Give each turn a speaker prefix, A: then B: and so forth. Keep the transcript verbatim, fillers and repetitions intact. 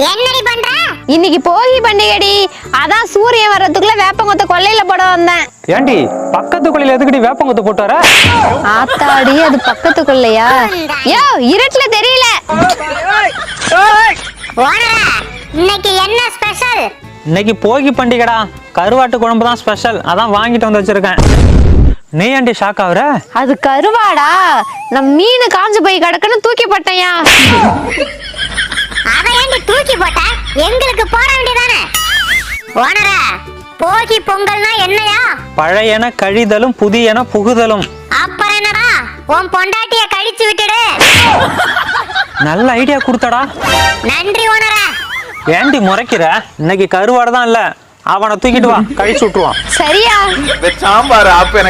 A: என்னடி பண்ற?
B: இன்னைக்கு போகி பண்டிகைடி, அதான் சூரியன் வர்றதுக்குள்ள வேப்பங்கொத்த கொல்லையில போட வந்தேன்.
C: ஏண்டி பக்கத்து கொல்லையில எதுக்குடி வேப்பங்கொத்த போட்டு வர?
B: ஆத்தாடி, அது பக்கத்து கொல்லையா? யோ, இருட்டுல தெரியல.
A: ஓனரா, இன்னைக்கு என்ன ஸ்பெஷல்?
C: இன்னைக்கு போகி பண்டிகைடா, கருவாட்டு குழம்பு தான் ஸ்பெஷல். அதான் வாங்கிட்டு வந்து வச்சிருக்கேன். நீ ஏண்டி ஷாக் ஆகுற?
B: அது கருவாடா? நம் மீன் காஞ்சு போய் கிடக்குன்னு தூக்கி போட்டேயா.
A: அத ஏண்டி தூக்கி போட்ட? எங்களுக்கு போட வேண்டியதானே? ஓனரா, போகி பொங்கல்னா என்னையா?
C: பழையன கழிதலும் புதியன புகுதலும்.
A: அப்புறம் என்னடா, உன் பொண்டாட்டிய கழிச்சு விட்டுடு.
C: நல்ல ஐடியா கொடுத்தடா.
A: நன்றி ஓனரா.
C: ஏண்டி முறைக்கிற? இன்னைக்கு கருவாடு தான் இல்ல, அவனை தூக்கிட்டு வா, கழிச்சு விட்டுருவான்.
B: சரியா?
D: சாம்பார் ஆப்ப